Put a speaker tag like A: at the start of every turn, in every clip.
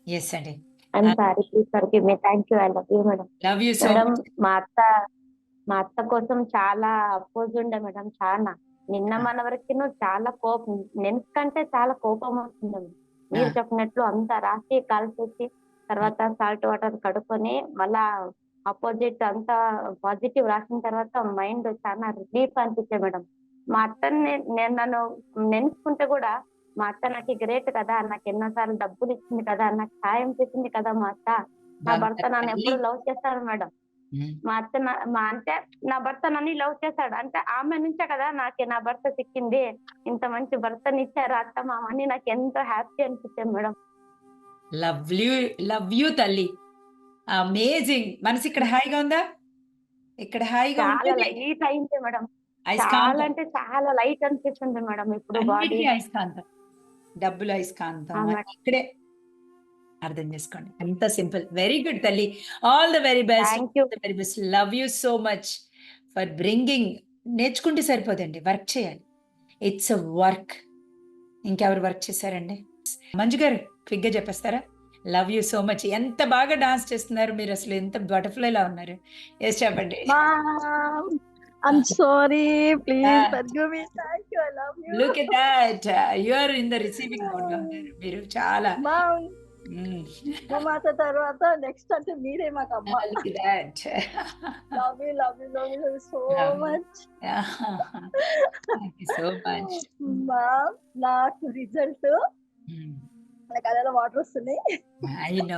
A: Yes అండి.
B: I'm
A: ah,
B: sorry. Please forgive me. Thank you. I love you madam.
A: Love you so
B: madam
A: much.
B: మా అత్త మా అత్త కోసం చాలా అపోజ్ ఉండే మేడం చానా. నిన్న
A: ఆ!
B: మన వరకును చాలా కోపం నెనకంటే చాలా కోపం వస్తుంది.
A: ఆ!
B: మీరు చెప్పినట్లు అంతా రాసి కలిపేసి
A: హ్మ్.
B: తర్వాత సాల్ట్ వాటర్ కడుక్కొని మళ్ళా అపోజిట్ అంతా పాజిటివ్ రాసిన తర్వాత మైండ్ చాలా రిలీఫ్ అనిపించే మేడం. మా అత్తని నేను నన్ను నెనుసుకుంటే కూడా మా అత్త నాకు గ్రేట్ కదా! నాకు ఎన్నో సార్లు డబ్బులు ఇచ్చింది కదా! నాకు సాయం చేసింది కదా మా అత్త. నా భర్త
A: బంగారు
B: నన్ను
A: తల్లి.
B: ఎప్పుడు లవ్ చేస్తాడు మేడం.
A: హ్మ్.
B: మా అత్త అంటే నా భర్త నన్ను లవ్ చేశాడు. అంటే ఆమె నుంచే కదా నాకు నా భర్త సిక్కింది. ఇంత మంచి భర్తనిచ్చారు అత్త, మామ అని నాకెంతో హ్యాపీ అనిపించింది మేడం.
A: లవ్లీ లవ్ యూ తల్లి. అమేజింగ్. మనసిక్కడ హాయిగా ఉందా? ఇక్కడ హాయిగా
B: చాలా
A: ఉంటేనే
B: లైట్ అయింది మేడం. చాలా
A: అయస్కాంతం.
B: అంటే చాలా లైట్ అనిపిస్తుంది మేడం ఇప్పుడు బాడీ.
A: అన్నిటికి అయస్కాంతం. డబ్బులు అయస్కాంతం
B: ఆ!
A: అని
B: మేడం.
A: ఇక్కడే అర్థం చేసుకోండి. అంత సింపుల్. వెరీ గుడ్ తల్లి. All the very best.
B: Thank you.
A: All the very best. Love you so much for bringing. నేర్చుకుంటే సరిపోదండి. వర్క్ చేయాలి. It's a work. ఇంకెవరు వర్క్ చేశారండి? మంజు గారు క్విక్‌గా చెప్పేస్తారా? Love you so much. ఎంత బాగా డాన్స్ చేస్తున్నారు మీరసలు. ఎంత బటర్‌ఫ్లైలా ఉన్నారు. యెస్ చెప్పండి.
C: Mom,
A: ఆ!
C: I'm sorry.
A: ఆ!
C: Please forgive me. Thank you. I love you.
A: Look at that. You are in the receiving మోడ్‌లో ఉన్నారు. మీరు చాలా.
C: Mom,
A: హ్మ్.
C: భూమాత తర్వాత నెక్స్ట్ అంటే మీరే మాకమ్మ.
A: Look at that.
C: Love you, love you, love you, love you so
A: love you.
C: Much.
A: Thank you so much.
C: Ma'am, నాకు రిజల్ట్
A: హ్మ్.
C: నా కళ్ళలో వాటర్ వస్తున్నాయి.
A: I know.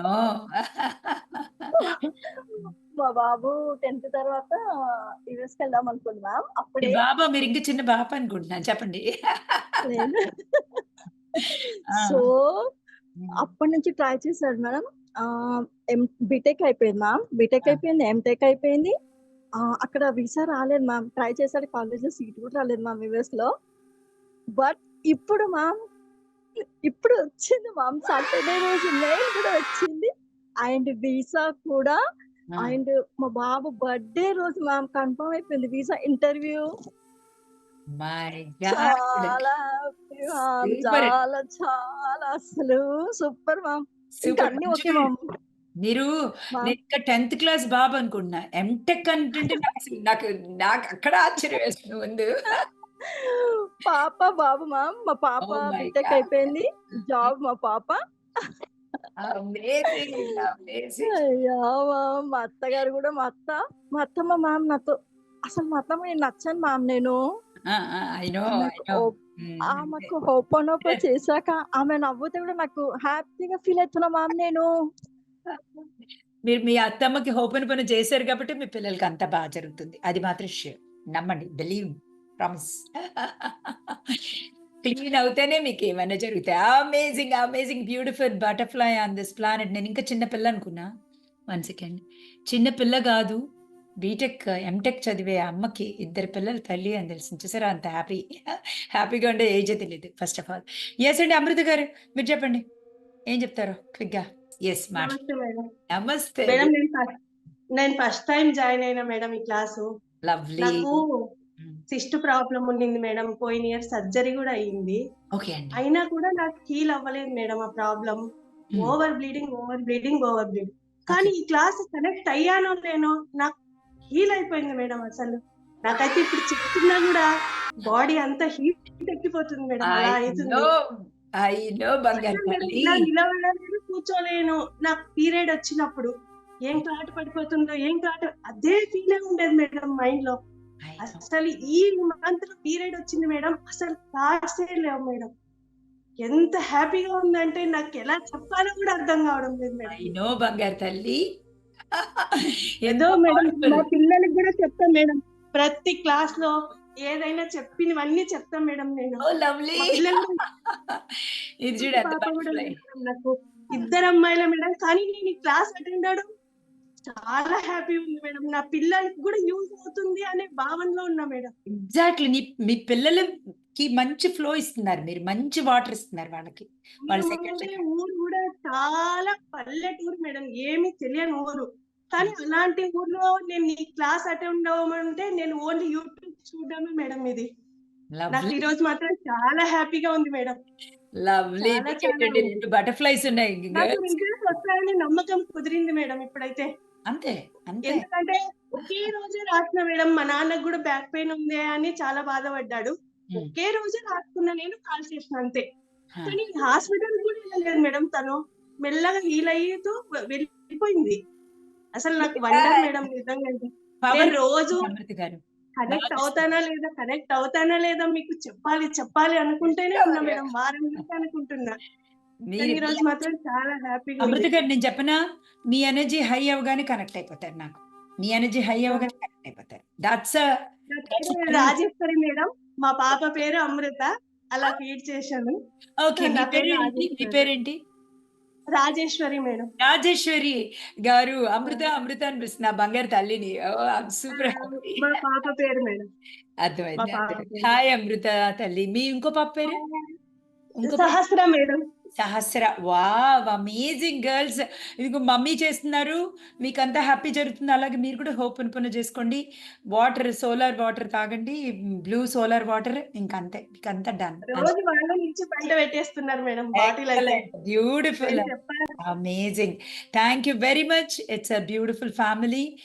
C: మా బాబు 10th తర్వాత యూఎస్‌కి వెళ్దాం అనుకుంది మ్యామ్.
A: మీ
C: అప్పుడే
A: బాబా? మీరింకా చిన్న బాబు అనుకుంటున్నాను. చెప్పండి.
C: నేను
A: ఆ!
C: సో,
A: హ్మ్.
C: అప్పటి నుంచి ట్రై చేశాడు మేడం. ఆహ్, బీటెక్ అయిపోయింది మ్యామ్. బీటెక్
A: ఆ!
C: అయిపోయింది. ఎంటెక్ అయిపోయింది. అక్కడ వీసా రాలేదు మ్యామ్. ట్రై చేశాడు కాలేజ్‌లో సీట్ కూడా రాలేదు మ్యామ్ యూఎస్‌లో. బట్ ఇప్పుడు మ్యామ్, ఇప్పుడు వచ్చింది మ్యామ్. సాటర్‌డే రోజు మెయిల్ కూడా వచ్చింది. అండ్ వీసా కూడా
A: ఆ!
C: అండ్ మా బాబు బర్త్‌డే రోజు మ్యామ్ కన్ఫర్మ్ అయిపోయింది వీసా ఇంటర్వ్యూ.
A: My god!
C: చాలా హ్యాపీ మ్యామ్.
A: సూపర్.
C: చాలా చాలా అసలు సూపర్ మ్యామ్. ఇంకా
A: సూపర్.
C: అన్నీ
A: మంజు
C: ఓకే
A: గారు
C: మ్యామ్.
A: మీరు
C: మ్యామ్
A: నేనింకా 10థ్ క్లాస్ బాబు అనుకుంటున్నా. ఎంటెక్ అంటుంటే నాకసలు నాకు అక్కడ ఆశ్చర్యం వేస్తుంది ముందు.
C: పాప, బాబు మ్యామ్. మా పాప
A: ఓహ్ మై
C: బీటెక్
A: గాడ్!
C: అయిపోయింది. జాబ్ మా పాప.
A: అమేజింగ్. అమేజింగ్.
C: అయ్యో! మ్యామ్ మా అత్తగారు గూడా మా అత్తమ్మ మ్యామ్ నాతో అసలు మా అత్తమ్మకి నచ్చను మ్యామ్ నేను.
A: ఆ! ఆ! I know. ఐ
C: ఆమెకు
A: నో.
C: ఓప్
A: హ్మ్. అదే.
C: ఆమెకు హోపోనోపో చేశాక ఆమె నవ్వుతే గూడా నాకు హ్యాపీగా ఫీల్ అయితున్నా మ్యామ్ నేను.
A: మీరు మీ అత్తమ్మకి హోపెన్ చేశారు కాబట్టి మీ పిల్లలకి అంతా బాగా జరుగుతుంది. అది మాత్రం ష్యూర్. నమ్మండి. బిలీవ్. ప్రామిస్. క్లీన్ అవుతేనే మీకేమైనా జరుగుతాయి. Amazing! Amazing! Beautiful butterfly on this planet. నేనింకా చిన్న పిల్ల అనుకున్నా. 1 సెకండ్. చిన్న పిల్ల గాదు. బీటెక్, ఎంటెక్ చదివే అమ్మకి ఇద్దరు పిల్లల తల్లి అని తెలిసింది. చూసారా అంత హ్యాపీగా ఉండే ఏజే తెలీదు ఫస్ట్ ఆఫ్ ఆల్. యెస్ అండి అమృత గారు మీరు చెప్పండి. ఏం చెప్తారో క్విక్‌గా? యెస్
D: నమస్తే మేడం.
A: నమస్తే.
D: మేడం నేను ఫస్ట్ టైమ్ జాయిన్ అయినా మేడం ఈ క్లాసు.
A: లవ్లీ.
D: నాకు
A: హ్మ్.
D: సిస్ట్ ప్రాబ్లమ్ ఉండింది మేడం. పోయిన ఇయర్ సర్జరీ గూడా అయింది.
A: ఓకే అండి.
D: అయినా కూడా నాకు హీల్ అవ్వలేదు మేడం ఆ problem.
A: Hmm.
D: Over bleeding, over bleeding, over bleeding.
A: Okay.
D: కానీ ఈ క్లాస్ కనెక్ట్ అయ్యానో లేనో నాకు హీల్ అయిపోయింది మేడం అసలు. నాకైతే ఇప్పుడు చెప్తున్నా గూడా బాడీ అంతా హీట్ ఎక్కిపోతుంది మేడం.
A: ఐ
D: అలా అయితుంది.
A: నో. ఐ నో బంగారు
D: అసలు మేడం
A: తల్లి.
D: ఇలా నిలబడలేను, కూర్చోలేను. నాకు పీరియడ్ వచ్చినప్పుడు ఏం క్లాట్ పడిపోతుందో, ఏం క్లాట్ అదే ఫీలే ఉండేది మేడం మైండ్‌లో.
A: I know.
D: అసలు ఈ మంత్‌లో పీరియడ్ వచ్చింది మేడం. అసలు థాట్సే లేవు మేడం. ఎంత హ్యాపీగా ఉందంటే నాకెలా చెప్పాలో కూడా అర్థం కావడం లేదు మేడం.
A: ఐ నో బంగారు తల్లి.
D: ఏదో
A: ఎంత
D: మేడం
A: పవర్‌ఫుల్.
D: మా పిల్లలకి కూడా చెప్తా మేడం. ప్రతి క్లాస్‌లో ఏదైనా చెప్పినవన్నీ చెప్తా మేడం నేను.
A: ఓహ్! లవ్లీ.
D: మా పిల్లలు కూడా
A: ఇది చూడు ఎంత
D: పాప కూడా
A: బటర్‌ఫ్లై.
D: ఉంది మేడం నాకు. ఇద్దరు అమ్మాయిలే మేడం. కానీ నేను ఈ క్లాస్ అటెండ్ అవ్వడం చాలా హ్యాపీ ఉంది మేడం. నా పిల్లలకి కూడా యూజ్ అవుతుంది అనే భావనలో ఉన్నా మేడం.
A: ఎగ్జాక్ట్‌లీ. మీ పిల్లలకి మంచి ఫ్లో ఇస్తున్నారు మీరు. మంచి వాటర్ ఇస్తున్నారు వాళ్ళకి. వాళ్ళు
D: మేము
A: సెకండ్
D: ఉండే
A: సెకండ్.
D: ఊరు కూడా చాలా పల్లెటూరు మేడం. ఏమీ తెలియని ఊరు. కానీ అలాంటి ఊర్లో నేను ఈ క్లాస్ అటెండ్ అవ్వమంటే నేను ఓన్లీ యూట్యూబ్ చూడడమే మేడం ఇది. నాకు
A: లవ్లీ.
D: ఈరోజు మాత్రం చాలా హ్యాపీగా ఉంది మేడం.
A: లవ్లీ.
D: చాలా చాలా
A: మీకేంటండి 2 బటర్‌ఫ్లైస్ ఉన్నాయి.
D: నాకు
A: గర్ల్స్.
D: వస్తాయని నమ్మకం కుదిరింది మేడం ఇప్పుడైతే.
A: అంతే. అంతే.
D: ఎందుకంటే ఒకే రోజే రాసిన మేడం. మా నాన్నకు కూడా బ్యాక్ పెయిన్ ఉంది అని చాలా బాధపడ్డాడు.
A: హ్మ్.
D: ఒకే రోజే రాసుకున్నా నేను, కాల్ చేసిన అంతే.
A: ఆ!
D: కానీ హాస్పిటల్ కూడా వెళ్ళలేదు మేడం తను. మెల్లగా హీల్ అయ్యేతూ వెళ్ళిపోయింది. అసలు నాకు వండర్ మేడం నిజంగా. నేను
A: పవర్
D: రోజు
A: అమృత గారు.
D: కనెక్ట్
A: బాగా
D: అవుతానా లేదా మీకు చెప్పాలి అనుకుంటూనే ఉన్నా మేడం. వారం నుంచి అనుకుంటున్నా.
A: మీరు
D: కానీ
A: మీ
D: ఈరోజు మాత్రం చాలా హ్యాపీగా
A: అమృత
D: ఉంది.
A: గారు నేను చెప్పనా? మీ ఎనర్జీ హై అవ్వగానే కనెక్ట్ అయిపోతారు నాకు. మీ ఎనర్జీ హై అవ్వగానే కనెక్ట్ అయిపోతారు. దట్స్
D: నా పేరు రాజేశ్వరి మేడం. మా పాప పేరు అమృత. అలా ఫీడ్ చేశాను.
A: ఓకే. మీ
D: నా పేరు
A: పేరేంటి? మీ
D: రాజేశ్వరి.
A: పేరేంటి?
D: రాజేశ్వరి మేడం.
A: రాజేశ్వరి గారు అమృత అని పిలుస్తున్నా బంగారు తల్లిని. Oh! I am
D: ah!
A: Super happy.
D: మా పాప పేరు మేడం. మా
A: అర్థమైంది.
D: పాప
A: అర్థమైంది.
D: పేరు.
A: హాయ్ అమృత తల్లి. మీ ఇంకో పాప పేరు? ఇంకో పాప?
D: Sahasra madam.
A: Sahasra. Wow! Amazing girls. ఇదిగో మమ్మీ చేస్తున్నారు. మీకంతా హ్యాపీ జరుగుతుంది. అలాగే మీరు కూడా హోపన్‌పూర్ణ చేసుకోండి. సోలార్ వాటర్ తాగండి. బ్లూ సోలార్ వాటర్ ఇంకంతే. మీకంతా డన్.
D: రోజు వాళ్ళే నుంచి పంట పెట్టేస్తున్నారు మేడం బాటిల్ అయితే.
A: ఎక్సలెంట్. బ్యూటిఫుల్.
D: నేను చెప్పాను.
A: Amazing. Thank you very much. It's a beautiful family.